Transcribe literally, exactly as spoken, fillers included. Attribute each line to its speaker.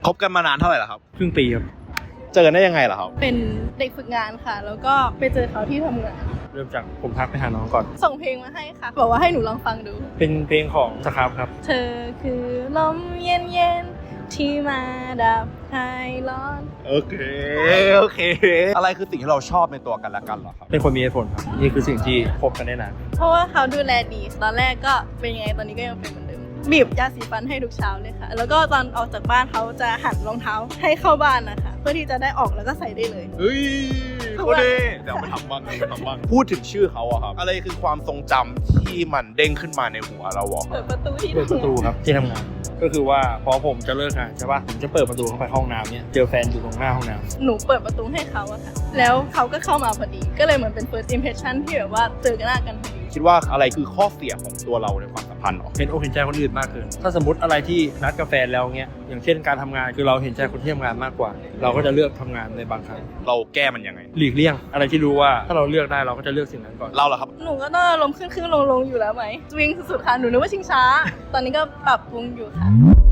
Speaker 1: คบกันมานานเท่าไหร่แล้วครับ
Speaker 2: ครึ่งปีครับ
Speaker 1: เจอกันได้ยังไงล่ะครับ
Speaker 3: เป็นเด็กฝึกงานค่ะ แล้วก็ไปเจอเขาที่ทำงาน
Speaker 2: เริ่มจากผมทักไปหาน้องก่อน
Speaker 3: ส่งเพลงมาให้ค่ะ บอกว่าให้หนูลองฟังดู
Speaker 2: เป็นเพลงของสครับครับ
Speaker 3: เธอคือลมเย็นเย็นๆที่มาดับคลายร้อน
Speaker 1: โอเคโอเค อะไรคือสิ่งที่เราชอบในตัวกันและกันเหรอครับ
Speaker 2: เป็นคนมีเหตุผลครับ นี่คือสิ่งที่คบกันได้นาน
Speaker 3: เพราะว่าเขาดูแลดี ตอนแรกก็เป็นยังไงตอนนี้ก็ยังเป็นเหมือนเดิม บีบยาสีฟันให้ทุกเช้าเลยค่ะ แล้วก็ตอนออกจากบ้านเขาจะหันรองเท้าให้เข้าบ้านนะคะ เพื่อที่จะได้ออกแล้วก็ใส่ได้เลย
Speaker 1: เฮ้ยโคตรเด้เดี๋ยวไปทำบ้างไปทำบ้างพูดถึงชื่อเขาอะครับ อะไรคือความทรงจำที่มันเด้งขึ้นมาในหัวเราอะค
Speaker 3: เปิ
Speaker 1: รับ
Speaker 3: ดประตูที่
Speaker 2: เปิดประตูครับที่ทำงาน ก็คือว่าพอผมจะเลิกงานใช่ป่ะ ผมจะเปิดประตูเข้าไปห้องน้ำเนี่ย เจอแฟนอยู่ตรงหน้าห้องน้ำ
Speaker 3: หนูเปิดประตูให้เขาอะค่ะ แล้วเขาก็เข้ามาพอดี ก็เลยเหมือนเป็น first impression ที่แบบว่าเจอกันหน้ากันพอดี
Speaker 1: คิดว่าอะไรคือข้อเสียของตัวเราในความสัมพันธ์หรอ
Speaker 2: เห็นอกเห็นใจคนอื่นมากเกิน ถ้าสมมติอะไรที่นัดกับแฟนแล้วเงี้ย อย่างเช่นการทำงานคือเราเห็นใจคนที่ทำงานมากกว่า เราก็จะเลือกทำงานในบางครั้ง
Speaker 1: เราแก้มันยังไง
Speaker 2: หลีกเลี่ยง อะไรที่รู้ว่าถ้าเราเลือกได้เราก็จะเลือกสิ่งนั้นก่อน
Speaker 1: เราเหรอครับ
Speaker 3: หนูก็ต้องอารมณ์ขึ้นขึ้นลงลงอยู่แล้วไหมวิ่งสุดๆค่ะ หนูนึกว่าชิงช้า ตอนนี้ก็ปรับปรุงอยู่ค่ะ